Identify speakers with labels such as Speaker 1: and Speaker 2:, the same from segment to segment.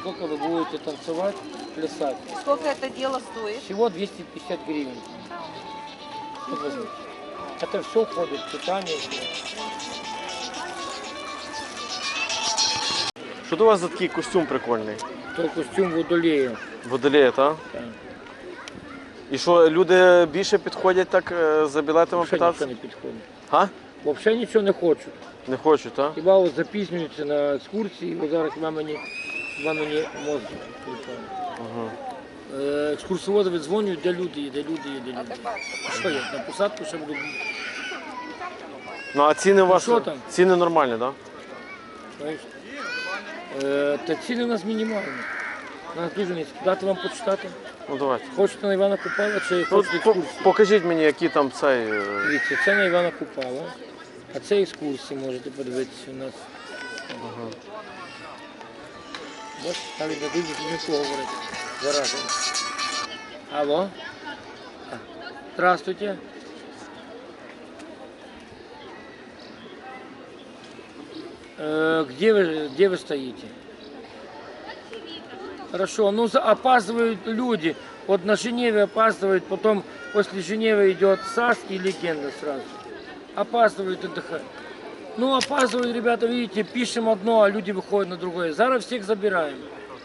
Speaker 1: сколько вы будете танцевать, плясать.
Speaker 2: Сколько это дело стоит?
Speaker 1: Всего 250 гривен. Вот возьмите. Это все входит в питание.
Speaker 3: Що до вас за такий костюм прикольний?
Speaker 1: То костюм водолея.
Speaker 3: Водолея, так?
Speaker 1: Так.
Speaker 3: І що, люди більше підходять так за білетами
Speaker 1: Вообще
Speaker 3: питатися?
Speaker 1: нічого не підходить.
Speaker 3: Га?
Speaker 1: Взагалі нічого не хочуть.
Speaker 3: Не хочуть, так?
Speaker 1: Хіба от запізнюються на екскурсії, от зараз хіба мені мозок відключає.
Speaker 3: Ага.
Speaker 1: Екскурсоводи віддзвонюють, де люди є, де люди є, де люди є. Що я, на посадку ще буду бігти?
Speaker 3: Ну а ціни у вас?
Speaker 1: що там?
Speaker 3: Ціни нормальні, так?
Speaker 1: Знаєш? Та ціни у нас мінімальні. У нас дуже низькі. Дати вам почитати?
Speaker 3: Ну давайте.
Speaker 1: Хочете на Івана Купала чи
Speaker 3: Ну,
Speaker 1: хочете екскурсії?
Speaker 3: покажіть мені, які там цей.
Speaker 1: Дивіться, це на Івана Купала, а це екскурсії можете подивитися у нас.
Speaker 3: Ага.
Speaker 1: Ось, навіть не дуже нічого говорити. Заразом. Алло? Здравствуйте. Где вы стоите? Хорошо, ну опаздывают люди. Вот на Женеве опаздывают, потом после Женевы идет САС и Легенда сразу. Опаздывают отдыхать. Ну опаздывают, ребята, видите, пишем одно, а люди выходят на другое. Зараз всех забираем.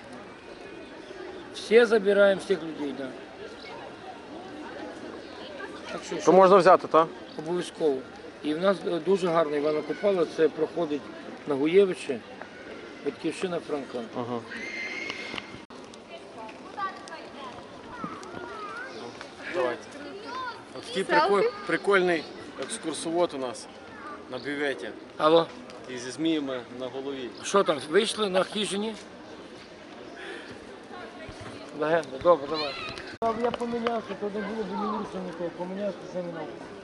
Speaker 1: Все забираем, всех людей, да. Так що,
Speaker 3: То можна взяти, так?
Speaker 1: обов'язково. І в нас дуже гарно Івана Купала, це проходить на Гуєвичі, Батьківщина Франка.
Speaker 3: Ага. Давайте. Ось такий прикольний екскурсовод у нас на бюветі.
Speaker 1: Алло,
Speaker 3: І зі зміями на голові.
Speaker 1: що там, вийшли на хижині? Легенда, добре, давай. Я помінявся, то не було б мені нікого, помінявся, це не наука.